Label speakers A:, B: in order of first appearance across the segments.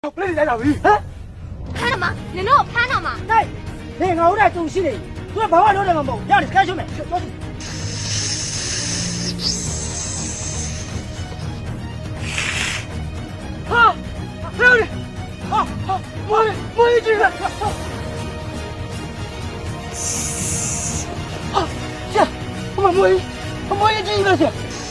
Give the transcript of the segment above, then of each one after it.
A: 不来来哪位？啊？
B: 看了吗？你让我看了吗？
A: 哎，你熬的东西嘞，我爸爸留的么？让你干什么？抓住！啊！还有你！啊！摸一只！啊！行，我们摸一只一个去。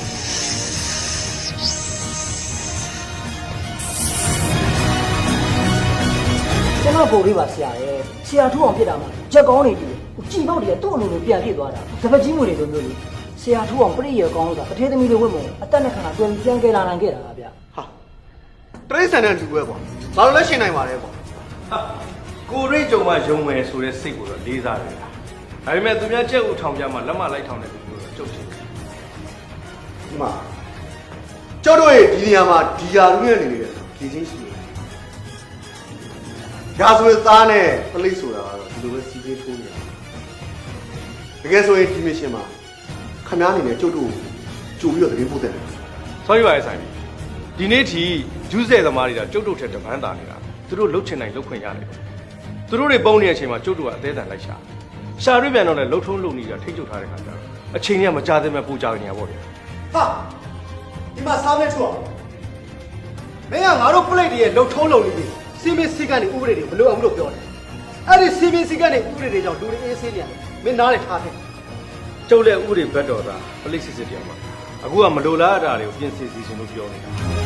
A: ကျွန်တော်ပုံလေးပါဆရာရဲ့ဆရာထူအောင်ဖြစ်တာမှာချက်ကောင်းနေပြီကြည်ပေါက်တွေကသူ့အလိုလိုပြန်ပြည့်သွားတာတပတ်ကြီးမျိုးတွေလိုမျိုးလေဆရာထူအောင်ပြည့်ရကောင်းဆိုတာအထေးသမီးတွေဝတ်မုံအသက်နဲ့ခန္ဓာတွင်ပြန်ကြလာနိုင်ခဲ့တာဗျ
C: ဟာတရိษံတဲ့လူပဲကွာဘာလို့လဲရှင်းနိုင်ပါလဲကွာ
D: ကိုရိတ်ကြုံမှယုံမယ်ဆိုတဲ့စိတ်ကိုတော့လေးစားတယ်ဒါပေမဲ့သူများကြက်ဥထောင်ကြမှာလက်မလိုက်ထောင်တဲ့လူမျိုးတော့ကြုတ်ချင်တယ်
C: ဒီမှာကျောက်တို့ရဲ့ဒီနေရာမှာဒီယာလူရဲ့နေနေတယ်ဒီချင်းရှိတယ်ရာဇဝတ်သားနဲ့ပလိတ်ဆိုတာကတော့ဒီလိုပဲစီးပေးထိုးနေတာတကယ်ဆိုရင်ဒီမစ်ရှင်မှာခမားအနေနဲ့ကျုပ်တို့ကြိုပြီးတော့တကယ်ပို့တယ်
D: ဆောရီပါရဲ့ဆိုင်ပြီဒီနေ့ထိဂျူးဆဲသမားတွေကကျုပ်တို့ထက်တပန်းတာနေတာသူတို့လှုပ်ချင်နိုင်လှုပ်ခွင့်ရတယ်သူတို့တွေပုံနေတဲ့အချိန်မှာကျုပ်တို့ကအသေးအံလိုက်ရှာရွေးပြန်တော့လည်းလှုပ်ထုံးလှုပ်နေတာထိတ်ချုပ်ထားတဲ့ခါကျတော့အချိန်ကြီးကမကြသေးမဲ့ပူကြနေရပါ့ဗျာ
C: ဟာဒီမှာစားမဲ့ချွတ်မင်းကငါတို့ပလိတ်တွေရဲ့လှုပ်ထုံးလှုပ်နေပြီစီမင်းစီကနေဥပဒေတွေမလိုအောင်လို့ပြောတယ်အဲ့ဒီစီမင်းစီကနေဥပဒေတွေကြောင့်လူတွေအေးဆေးနေရတယ်မင်းနားနဲ့ထားတယ်
D: ကျုပ်လည်းဥပဒေဘက်တော်သားပလိတ်စစ်စစ်တရားမှာအခုကမလိုလားအတာတွေကိုပြင်ဆင်စီစဉ်လို့ပြောနေတာ